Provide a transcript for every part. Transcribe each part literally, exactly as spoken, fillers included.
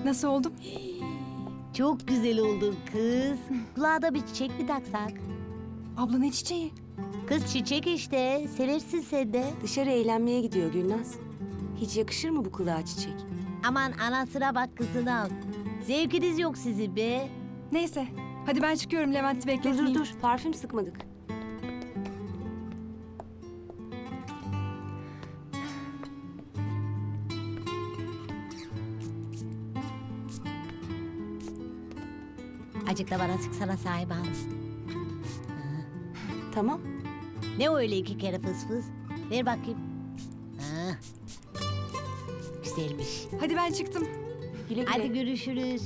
Nasıl oldum? Çok güzel oldun kız. Kulağa da bir çiçek mi taksak? Abla ne çiçeği? Kız çiçek işte. Seversin sen de. Dışarı eğlenmeye gidiyor Gülnaz. Hiç yakışır mı bu kulağa çiçek? Aman anasına bak kızını al. Zevkiniz yok sizin be. Neyse. Hadi ben çıkıyorum, Levent'i Dur bekletmeyeyim. dur dur, parfüm sıkmadık. Acık da bana sıksana sahip hanım. Tamam. Ne o öyle iki kere fıs fıs? Ver bakayım. Ha. Güzelmiş. Hadi ben çıktım. Güle güle. Hadi görüşürüz.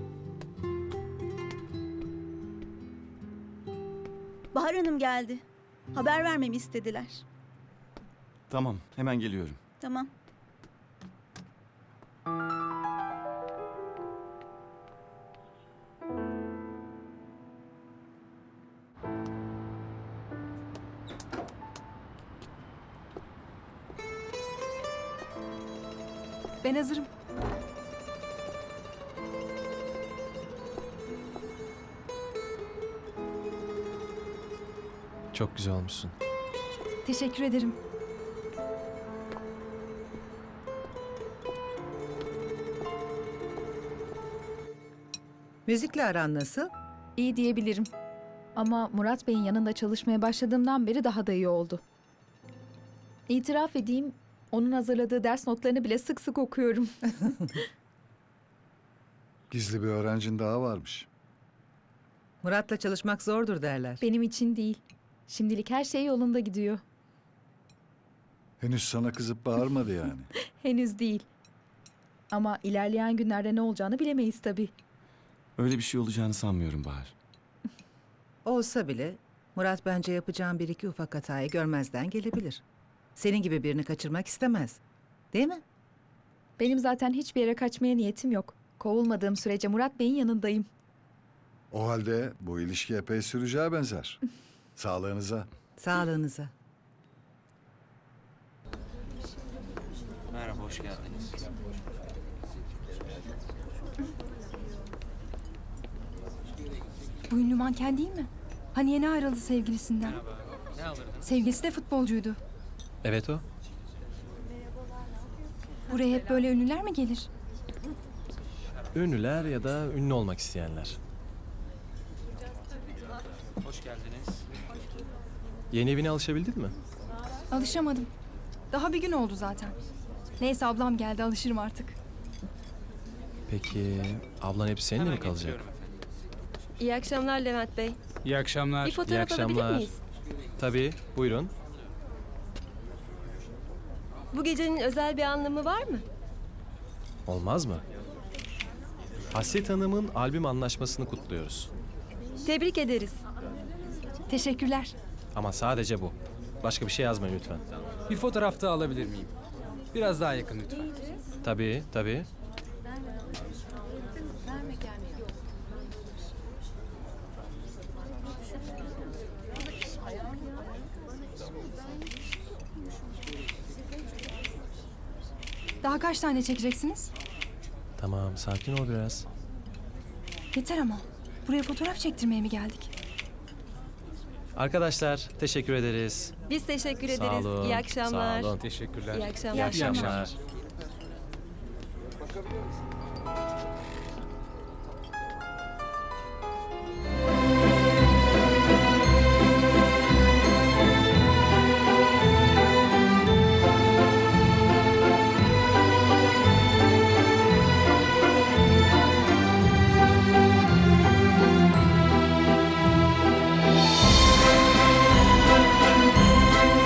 Bahar Hanım geldi. Haber vermemi istediler. Tamam, hemen geliyorum. Tamam. Ben hazırım. Çok güzel olmuşsun. Teşekkür ederim. Müzikle aran nasıl? İyi diyebilirim. Ama Murat Bey'in yanında çalışmaya başladığımdan beri daha da iyi oldu. İtiraf edeyim, onun hazırladığı ders notlarını bile sık sık okuyorum. Gizli bir öğrencin daha varmış. Murat'la çalışmak zordur derler. Benim için değil. Şimdilik her şey yolunda gidiyor. Henüz sana kızıp bağırmadı yani. Henüz değil. Ama ilerleyen günlerde ne olacağını bilemeyiz tabii. Öyle bir şey olacağını sanmıyorum Bahar. Olsa bile Murat bence yapacağın bir iki ufak hatayı görmezden gelebilir. Senin gibi birini kaçırmak istemez. Değil mi? Benim zaten hiçbir yere kaçmaya niyetim yok. Kovulmadığım sürece Murat Bey'in yanındayım. O halde bu ilişki epey süreceğe benzer. Sağlığınıza. Sağlığınıza. Merhaba, hoş geldiniz. Bu ünlü manken değil mi? Hani yeni ayrıldı sevgilisinden. Ne alırdın? Sevgilisi de futbolcuydu. Evet o. Buraya hep böyle ünlüler mi gelir? Ünlüler ya da ünlü olmak isteyenler. Hoş geldiniz. Yeni evine alışabildin mi? Alışamadım. Daha bir gün oldu zaten. Neyse ablam geldi, alışırım artık. Peki ablan hep seninle mi kalacak? İyi akşamlar Levent Bey. İyi akşamlar. Bir İyi fotoğraf alabilir akşamlar. miyiz? Tabii, buyurun. Bu gecenin özel bir anlamı var mı? Olmaz mı? Hasret Hanım'ın albüm anlaşmasını kutluyoruz. Tebrik ederiz. Teşekkürler. Ama sadece bu. Başka bir şey yazmayın lütfen. Bir fotoğraf daha alabilir miyim? Biraz daha yakın lütfen. Tabii, tabii. Daha kaç tane çekeceksiniz? Tamam, sakin ol biraz. Yeter ama. Buraya fotoğraf çektirmeye mi geldik? Arkadaşlar, teşekkür ederiz. Biz teşekkür Sağ ederiz. olun, İyi akşamlar. sağ olun. Teşekkürler. İyi akşamlar. İyi akşamlar. İyi akşamlar.